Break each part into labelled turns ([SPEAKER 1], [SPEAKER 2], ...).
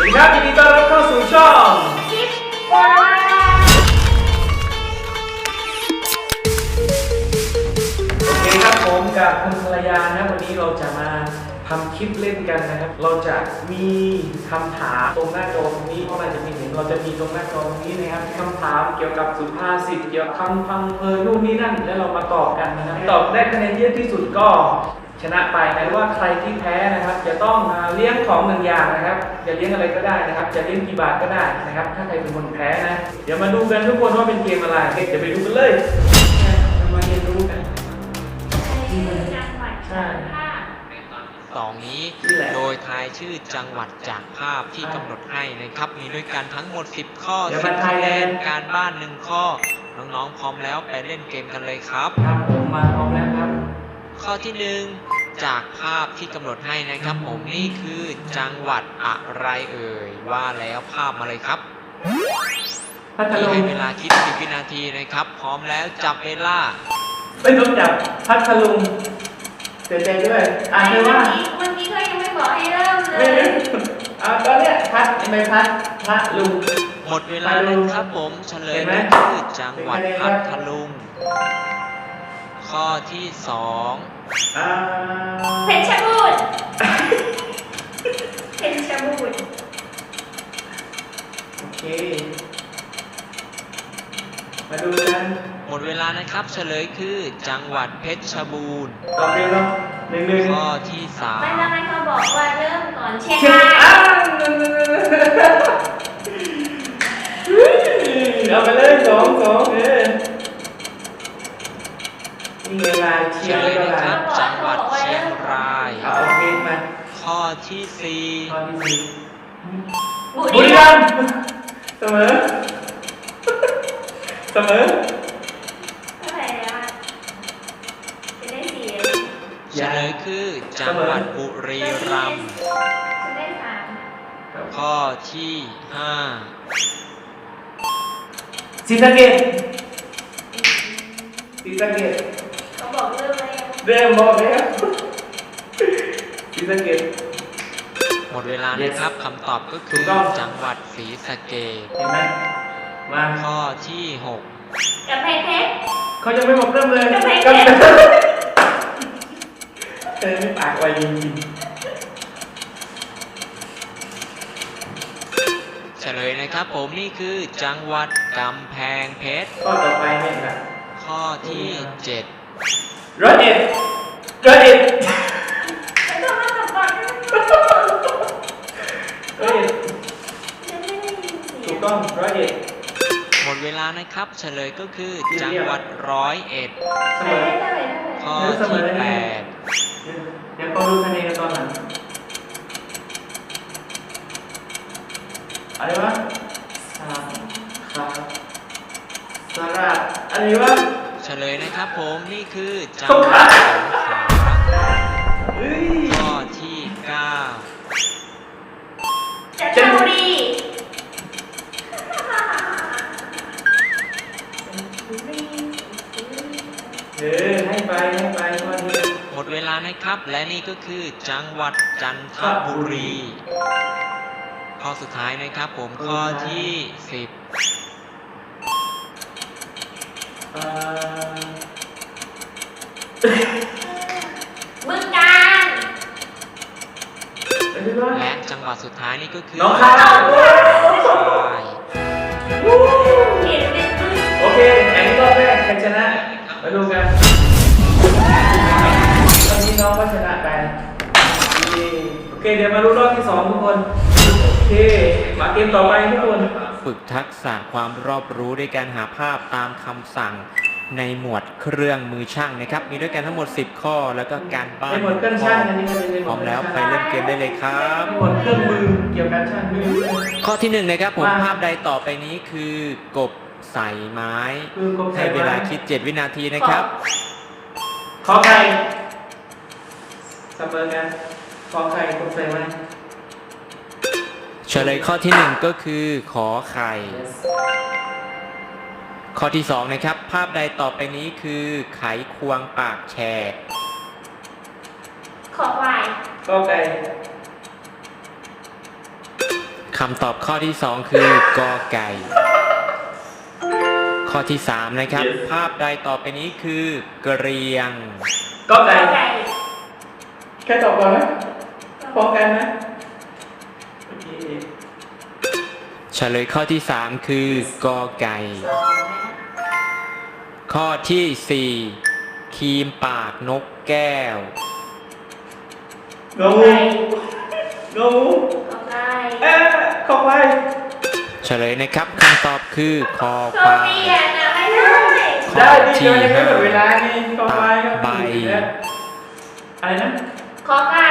[SPEAKER 1] ดีครับยินดีต้อนรับเข้าสู่ช่อง
[SPEAKER 2] คิดว่า
[SPEAKER 1] โอเคครับผมกับคุณภรรยานะวันนี้เราจะมาทำคลิปเล่นกันนะครับเราจะมีคำถามตรงหน้าจอตรงนี้เพราะเราจะมีเห็นเราจะมีตรงหน้าจอตรงนี้นะครับคำถามเกี่ยวกับสุภาษิตเกี่ยวกับคำพังเพยนู่นนี่นั่นแล้วเรามาตอบกันนะครับตอบได้คะแนนเยอะที่สุดก็ชนะไปแต่ว่าใครที่แพ้นะครับจะต้องเลี้ยงของหนึ่งอย่างนะครับจะเลี้ยงอะไรก็ได้นะครับจะเลี้ยงกี่บาทก็ได้นะครับถ้าใครเป็นคนแพ้นะเดี๋ยวมาดูกันทุกคนว่าเป็นเกมอะไรเดี๋ยวไปดูกันเลยมาเรียนรู้กัน
[SPEAKER 2] จังหวัดภาค
[SPEAKER 3] สองนี้โดยทายชื่อจังหวัดจากภาพที่กำหนดให้นะครับมีด้วยกันทั้งหมด10ข้อ10คะแนนการบ้าน1ข้อน้องๆพร้อมแล้วไปเล่นเกมกันเลยครับ
[SPEAKER 1] ครับผมมาพร้อมแล้วครับ
[SPEAKER 3] ข้อที่1จากภาพที่กำหนดให้นะครับผมนี่คือจังหวัดอะไรเอ่ยว่าแล้วภาพมาเลยครับ
[SPEAKER 1] พัท
[SPEAKER 3] ที่
[SPEAKER 1] ลุ
[SPEAKER 3] ให้
[SPEAKER 1] ง
[SPEAKER 3] เวลาคิด10วินาทีนะครับพร้อมแล้วจับเวลา
[SPEAKER 1] ไม่ต้องจับพัทลุงเสียใจด้วยอ่านเลยว่า
[SPEAKER 2] เมื่อกี้ก็ยังไม่บอกให้เริ่มเล
[SPEAKER 1] ไม่
[SPEAKER 2] ย
[SPEAKER 1] ตอนเนี้ยพัดไม่พัดพระลุง
[SPEAKER 3] หมดเวลาแล้วครับผมเฉลยก็คือจังหวัดพัทลุงข้อที่2
[SPEAKER 1] อ่า
[SPEAKER 2] เพชรบูรณ์เพชรบูรณ์
[SPEAKER 1] โอเคมาดูกัน
[SPEAKER 3] หมดเวลานะครับเฉลยคือจังหวัดเพชรบูรณ์
[SPEAKER 1] ตอบเร็วเนาะหนึ่ง
[SPEAKER 3] ข้อที่
[SPEAKER 2] ไม่แล้วมันเขาบอกว่าเริ่มก่อนเชียง
[SPEAKER 1] เชียง
[SPEAKER 2] ราย
[SPEAKER 1] อ้าวเอาไปเลยสองนี่เวลา
[SPEAKER 3] 3
[SPEAKER 1] เชี
[SPEAKER 3] เฉ
[SPEAKER 1] ยง
[SPEAKER 3] ลย
[SPEAKER 1] เว
[SPEAKER 3] นะ
[SPEAKER 1] ลา
[SPEAKER 3] ครับจังหวัดเชียงราย
[SPEAKER 1] เอาโอเคมา
[SPEAKER 3] ข้อที่
[SPEAKER 1] ข้อที่
[SPEAKER 2] บุ
[SPEAKER 1] 4บุ
[SPEAKER 2] รี
[SPEAKER 1] รี
[SPEAKER 2] รั
[SPEAKER 1] รั
[SPEAKER 2] ม
[SPEAKER 1] ม
[SPEAKER 2] ย์
[SPEAKER 1] ย์เสมอเสมอ
[SPEAKER 2] เท่าไหร่แล้วอะจะได้สี่
[SPEAKER 3] 4 เฉลยคือจังหวัดบุรีรัมย์
[SPEAKER 2] จะได้สาม
[SPEAKER 3] ข้อที่
[SPEAKER 1] ศรีสะเกษศรีสะเกษ
[SPEAKER 2] เขาบอกเริ่มเลย
[SPEAKER 1] เริ่มบอกแล้วศรีสะเกษ
[SPEAKER 3] 5 หมดเวลานะครับคำตอบก็
[SPEAKER 1] ถู
[SPEAKER 3] คื
[SPEAKER 1] ก
[SPEAKER 3] อ
[SPEAKER 1] ต้อง
[SPEAKER 3] จังหวัดศรีสะเกษ
[SPEAKER 1] เห็นไหมมา
[SPEAKER 3] ข้อที่
[SPEAKER 2] กับเพชรเพชร
[SPEAKER 1] เขายังไม่บอกเริ่มเลย
[SPEAKER 2] กำแพงเพ
[SPEAKER 1] ก็
[SPEAKER 2] ชร
[SPEAKER 1] เธอไม่ปากไวจริง
[SPEAKER 3] 6 เฉลยนะครับผมนี่คือจังหวัดกำแพงเพชร
[SPEAKER 1] ๆข้อต่อไปเนี่ยนะ
[SPEAKER 3] ข้อที่
[SPEAKER 1] ร้อยเอ็ดร้อยเอ็ด
[SPEAKER 2] ไม่ต้องมาตอบก่อน
[SPEAKER 1] ร้อยเอ็ด
[SPEAKER 2] จะไม่ได้ยินเสีย
[SPEAKER 1] ถู
[SPEAKER 2] ง
[SPEAKER 1] กต้องร้อยเอ็ด
[SPEAKER 3] 7 หมดเวลานะครับเฉลยก็คือจังหวัด101
[SPEAKER 1] เส
[SPEAKER 2] ไม่
[SPEAKER 1] มอ
[SPEAKER 2] ได้เท่าไหร่
[SPEAKER 3] ข้อ
[SPEAKER 1] เสม
[SPEAKER 3] ที่
[SPEAKER 1] อได้ไหม เดี๋ยวเขาดูคะแนนตอนหลังอะไรวะสามครับสระอะไรวะ
[SPEAKER 3] 8 เฉลยนะครับผมนี่คือจัง
[SPEAKER 1] สง
[SPEAKER 3] ห
[SPEAKER 1] ข
[SPEAKER 3] วั
[SPEAKER 1] ลา
[SPEAKER 3] ดสงขลา
[SPEAKER 1] เฮ้ย
[SPEAKER 3] ข้อที่
[SPEAKER 2] จันทบุรี
[SPEAKER 1] ให้ไปข้อนี้
[SPEAKER 3] 9 หมดเวลานะครับ และนี่ก็คือจังหวัดจันทบุรี ข้อสุดท้ายนะครับผมข้อที่ 10
[SPEAKER 1] เอ่อ
[SPEAKER 2] บึงกาฬ
[SPEAKER 1] อะไรวะ
[SPEAKER 3] และจังหวัดสุดท้ายนี่ก็คือ
[SPEAKER 1] น้องคาย
[SPEAKER 3] น้องคาย
[SPEAKER 2] เขียนเป็นบึง
[SPEAKER 1] โอเคแข่งรอบแรกใครชนะมาดูกันตอนนี้น้องก็ชนะไปโอเคเดี๋ยวมาดูรอบที่สองทุกคนโอเคมาเกมต่อไปทุกคน
[SPEAKER 3] ฝึกทักษะความรอบรู้ด้วยการหาภาพตามคำสั่งในหมวดเครื่องมือช่างนะครับ มีด้วยกันทั้งหมด 10 ข้อแล้วก็การบ้าน
[SPEAKER 1] ในหมวดเครื่องช่างอันนี้มันเป็นในห
[SPEAKER 3] พ
[SPEAKER 1] ม
[SPEAKER 3] ร้
[SPEAKER 1] ว
[SPEAKER 3] อ
[SPEAKER 1] ด
[SPEAKER 3] มแล้วไปเล่นเกมได้เลยครับ
[SPEAKER 1] ในหมวดเครื่องมือเกี่ยวกับช่างมือ
[SPEAKER 3] ข้อที่ 1 นะครับผม
[SPEAKER 1] ว่า
[SPEAKER 3] ภาพใดต่อไปนี้คือกบใส่ไม้
[SPEAKER 1] คือกบใส่
[SPEAKER 3] ให้
[SPEAKER 1] ไม้
[SPEAKER 3] เวลาคิด 7 วินาทีนะครับ
[SPEAKER 1] ขอไข่เสมอกันขอไข่กบใส่ไม้
[SPEAKER 3] เฉลยข้อที่ 1 ก็คือขอไข่ ข้อที่ 2 นะครับ ภาพใดต่อไปนี้คือไขควงปากแฉก
[SPEAKER 2] ขอควาย
[SPEAKER 1] ก็ไก่
[SPEAKER 3] คำตอบข้อที่ 2 คือกอไก่ ข้อที่ 3 นะครับ ภาพใดต่อไปนี้คือกระเรียง
[SPEAKER 1] ก็ไก่
[SPEAKER 2] ไก่
[SPEAKER 1] แค่ตอบก่อนไหมพร้อมกันไหมโอเค
[SPEAKER 3] เฉลยข้อที่ 3 คือกอไก่ ข้อที่ 4 ครีมปากนกแก้ว
[SPEAKER 1] งงงง
[SPEAKER 2] ขอไก่
[SPEAKER 1] ขอไป
[SPEAKER 3] เฉลยนะครับคำตอบคือคอ
[SPEAKER 2] โช
[SPEAKER 3] ควา
[SPEAKER 2] คดี
[SPEAKER 3] ย
[SPEAKER 2] อ่ะนะไม่ได้
[SPEAKER 1] ได้ดิเดี๋ยวยังไม่หมดเวลาไงขอไปครับ
[SPEAKER 3] ใบ
[SPEAKER 1] อะไรนะ
[SPEAKER 2] ขอไก่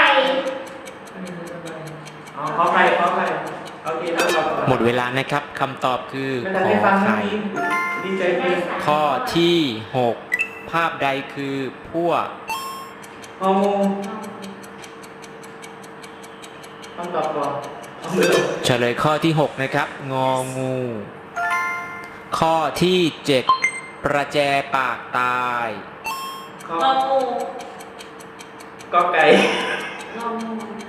[SPEAKER 1] อ๋อขอไปโอเคแล้วตอบก่อน
[SPEAKER 3] หมดเวลานะครับคำตอบคือ
[SPEAKER 1] ไม่
[SPEAKER 3] ข
[SPEAKER 1] ทัน
[SPEAKER 3] อ
[SPEAKER 1] ได้ฟังนะ
[SPEAKER 3] ไข่
[SPEAKER 1] ดีใจเกิน
[SPEAKER 3] ข้อที่ 6 ภาพใดคือพวก
[SPEAKER 1] งงต้องตอบก่อนเอามือ
[SPEAKER 3] เฉลยข้อที่ 6 นะครับ งองู ข้อที่ 7 ประแจปากตาย
[SPEAKER 1] ข้อง
[SPEAKER 2] องู
[SPEAKER 1] ก็ไก่
[SPEAKER 2] งองู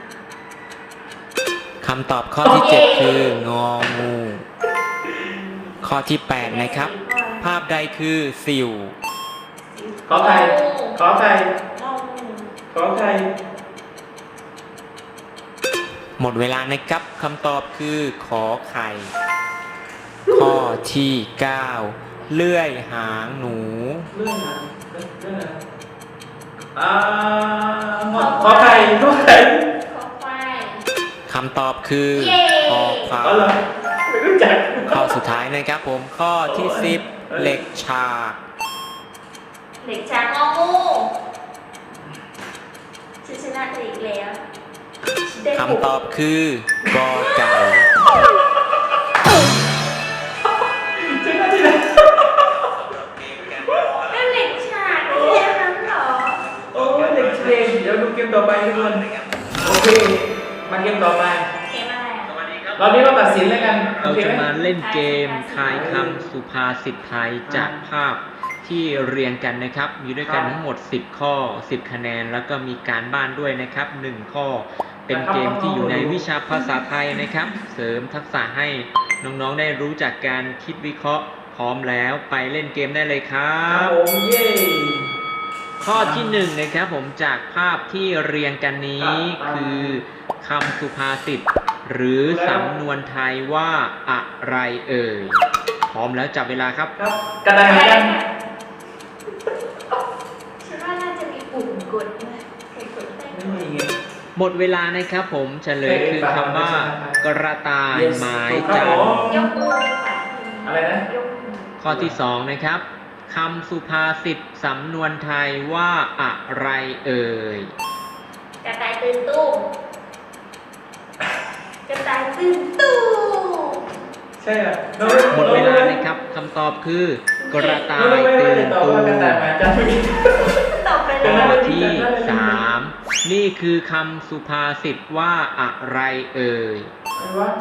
[SPEAKER 3] คำตอบข้อที่ 7 คืององู ข้อที่ 8 นะครับ ภาพใดคือสิว
[SPEAKER 1] ขอไก่ขอไก่
[SPEAKER 2] งองู
[SPEAKER 1] ขอไก่
[SPEAKER 3] หมดเวลานะครับคำตอบคือขอไข่ ข้อที่ 9 เลื่อยหางหนู
[SPEAKER 1] เรื่องนะเรื่องนะขอไข่ขอไข่
[SPEAKER 2] ขอควาย
[SPEAKER 3] คำตอบคือ
[SPEAKER 2] เย้
[SPEAKER 3] คอควา
[SPEAKER 1] อ๋อเหรอย ไม่รู้จัก
[SPEAKER 3] ข้อสุดท้ายนะครับผมข้อที่ 10 เหล็กฉาก
[SPEAKER 2] เด็กชายงองูฉันชนะเธออีกแล้วฉันได้
[SPEAKER 3] คำตอบคือกอไก่
[SPEAKER 1] เจ๊มาที่ไหน
[SPEAKER 2] ก็เด็กชายไม่ใช่อันนั้นหรอ
[SPEAKER 1] โอ้ยเด็กเชงเดี๋ยวดูเกมต่อไปทุกคนโอเคมาเกมต่อไป
[SPEAKER 2] เกมอะไรอ่ะ
[SPEAKER 1] รอบนี้เราตัดสินแล้วกันโอ
[SPEAKER 3] เรา
[SPEAKER 1] เค
[SPEAKER 3] จะ
[SPEAKER 1] ไหม
[SPEAKER 3] มาเล่นเกมทายคำสุภาษิตไทยจากภาพที่เรียงกันนะครับ มีด้วยกันทั้งหมด 10 ข้อ 10 คะแนน แล้วก็มีการบ้านด้วยนะครับ 1 ข้อ เป็นเกมที่อยู่ในวิชาภาษาไทยนะครับ เสริมทักษะให้น้องๆได้รู้จักการคิดวิเคราะห์ พร้อมแล้วไปเล่นเกมได้เลยครั
[SPEAKER 1] ครับ บผมเย้
[SPEAKER 3] ข้อที่ 1 นะครับผมจากภาพที่เรียงกันนี้คือคำสุภาษิตหรือสำนวนไทยว่าอะไรเอ่ย พร้อมแล้วจับเวลาครับ
[SPEAKER 1] ครับกระดานเหมือนกัน
[SPEAKER 2] ฉันว่าน่าจะมีปุ่มกดนะใครกดได้
[SPEAKER 1] ไม่มีไง
[SPEAKER 3] หมดเวลานะครับผมเฉลยคือคำว่ากระต่ายไม้จันทร์
[SPEAKER 2] ยกมือค่ะ
[SPEAKER 1] อะไรนะ
[SPEAKER 2] ยกมือ
[SPEAKER 3] ข้อที่ 2 นะครับคำสุภาษิตสำนวนไทยว่าอะไรเอ่ย
[SPEAKER 2] กระต่ายตื่นตุ้มกระต่ายตื่นตุ้ม
[SPEAKER 1] ใช่เหรอ
[SPEAKER 3] หมดเวลานะครับคำตอบคือกระต่าย
[SPEAKER 1] ไม่
[SPEAKER 3] ตื่น
[SPEAKER 1] ตอบ
[SPEAKER 3] ตู
[SPEAKER 1] ว่ากระ
[SPEAKER 3] ม
[SPEAKER 1] ต่ายหมาจันทร์ไม่มี
[SPEAKER 2] ตอบไปเล
[SPEAKER 3] ข้อย ที่ 3 นี่คือคำสุภาษิตว่าอะไรเอ่ย
[SPEAKER 1] อะไรวะ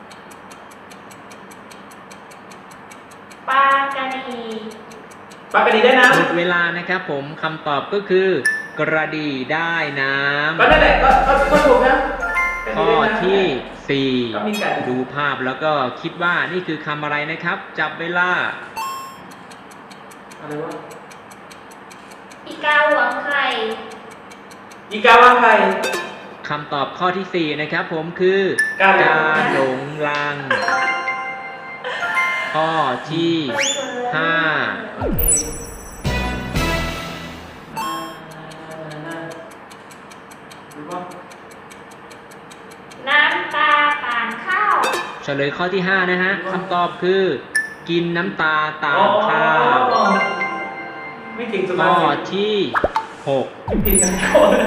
[SPEAKER 2] ปลากระดี
[SPEAKER 1] ปากกระดีได้น้
[SPEAKER 3] หมดเวลานะครับผมคำตอบก็คือกระดีได้น้
[SPEAKER 1] ำก็นั่นแหละก็ถูกนะ
[SPEAKER 3] ำข้อที่
[SPEAKER 1] ก็มีไก่
[SPEAKER 3] 4 ดูภาพแล้วก็คิดว่านี่คือคำอะไรนะครับ จับเวลา
[SPEAKER 1] อะไรวะ
[SPEAKER 2] อีกาหวงไข่
[SPEAKER 1] อีกาว่าใคร
[SPEAKER 3] คำตอบข้อที่ 4 นะครับผมคือ
[SPEAKER 1] การหลง
[SPEAKER 3] หลงลัง ข้อที่ 5
[SPEAKER 1] โอเคดูว่า
[SPEAKER 2] น้ำตาป่านข้าว
[SPEAKER 3] เฉลยข้อที่ 5 นะฮะคำตอบคือ กินน้ำตาตามข้าว
[SPEAKER 1] ไม่เก่งสุภา
[SPEAKER 3] ข้อ
[SPEAKER 1] ษิต
[SPEAKER 3] ที่
[SPEAKER 1] ไม่เก่งกันก่อน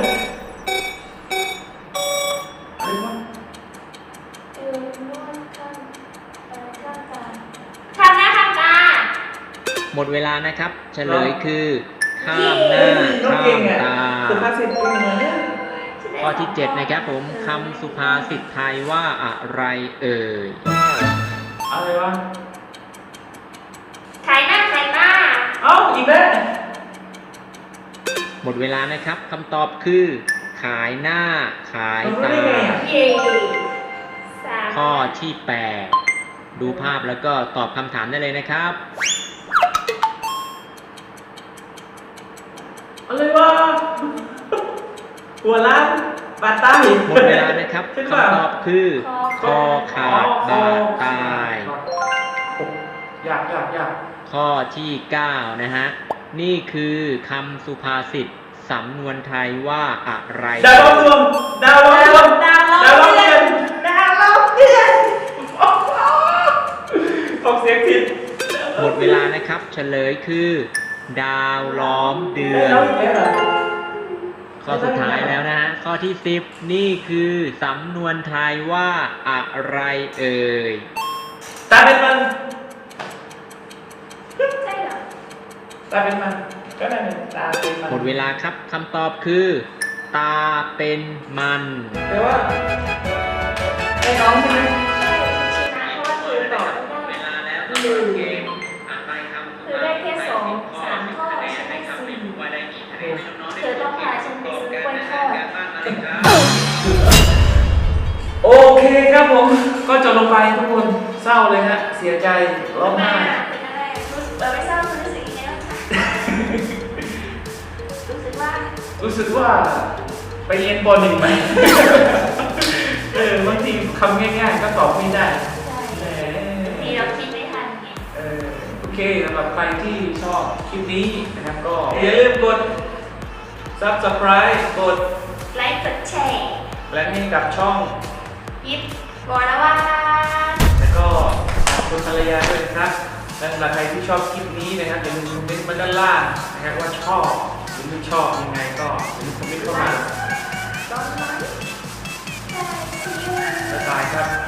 [SPEAKER 1] อะไรวะ
[SPEAKER 2] ทำหน้าทำตา
[SPEAKER 3] 6 หมดเวลานะครับ เฉลยคือ ข้ามหน้า
[SPEAKER 1] น้อง
[SPEAKER 3] ข้า
[SPEAKER 1] เก่ง
[SPEAKER 3] ม
[SPEAKER 1] อ่ะ
[SPEAKER 3] ตา
[SPEAKER 1] สุภาษิตเก่งเหรอเนี่ย
[SPEAKER 3] ข้อที่ 7 นะครับผมคำสุภาษิตไทยว่าอะไรเอ่ย
[SPEAKER 1] อะไรวะ
[SPEAKER 2] ขายหน้าขายตา
[SPEAKER 1] เอ้าอีกแล้ว
[SPEAKER 3] หมดเวลานะครับคำตอบคือ ขายหน้าขาย
[SPEAKER 1] เรารู้
[SPEAKER 3] ตา
[SPEAKER 1] ได้ไงอ่ะ
[SPEAKER 2] เย่สาม
[SPEAKER 3] ข้อที่ 8 ดูภาพแล้วก็ตอบคำถามได้เลยนะครับ
[SPEAKER 1] อะไรวะหัวล้านบาดตาย
[SPEAKER 3] หมดเวลานะครับคำตอบคือคอขาดบาดตาย
[SPEAKER 1] อยาก
[SPEAKER 3] ข้อที่ 9 นะฮะ นี่คือคำสุภาษิตสำนวนไทยว่าอะไร
[SPEAKER 1] ดาวล้อมดวงดาวล้อมดวง
[SPEAKER 2] ดาวล้อมเดือนดาวล้อมเดือน
[SPEAKER 1] ออกเสียงผิด
[SPEAKER 3] หมดเวลานะครับ เฉลยคือ ดาวล้อมเดือน
[SPEAKER 1] แล้วอีกแล้วเหรอ
[SPEAKER 3] ข้อสุดท้ายแล้วนะฮะ ข้อที่ 10 นี่คือสำนวนไทยว่าอะไรเอ่ย
[SPEAKER 1] ตาเป็นมัน
[SPEAKER 2] ใช่เหรอ
[SPEAKER 1] ตาเป็นมันก็ได้เนี่ยตาเป็นมัน
[SPEAKER 3] หมดเวลาครับคำตอบคือ ตาเป็นมัน
[SPEAKER 1] แปลว่าไอ้น้องใช่ไหม
[SPEAKER 2] ใช่ชนะเพราะว่าคือตอบไม่ได้ คือได้แค่2-3 ข้อฉันได้4เธอต้องพาฉันไปซื้อกล้วยทอด
[SPEAKER 1] โอเคครับผม ก็จบลงไปทุกคนเศร้าเลยฮะ เสียใจร้องไห้
[SPEAKER 2] เป็นอะไรไม่ทราบคุณรู้สึกยังไงบ้างคะรู้สึกว่า
[SPEAKER 1] ไปเรียนป .1 ไหม บางทีคำง่ายๆก็ตอบไม่ได้
[SPEAKER 2] ใช่มีเราคิดไม่ทันไง
[SPEAKER 1] โอเคสำหรับใครที่ชอบคลิปนี้นะครับก็อย่าลืมกด Subscribe กด
[SPEAKER 2] ไลค์กดแชร์
[SPEAKER 1] และให้กับช่อง
[SPEAKER 2] ยิบก่อนนะว่า
[SPEAKER 1] แล้วก็ขอบคุณภรรยาด้วยนะครับและสำหรับใครที่ชอบคลิปนี้นะครับอย่าลืมคอมเมนต์มาด้านล่างนะครับว่าชอบหรือไม่ชอบยังไงก็อย่าลืมคอมเมนต์เข้ามา
[SPEAKER 2] ตอนนั้นใช่
[SPEAKER 1] บ๊ายบายครับ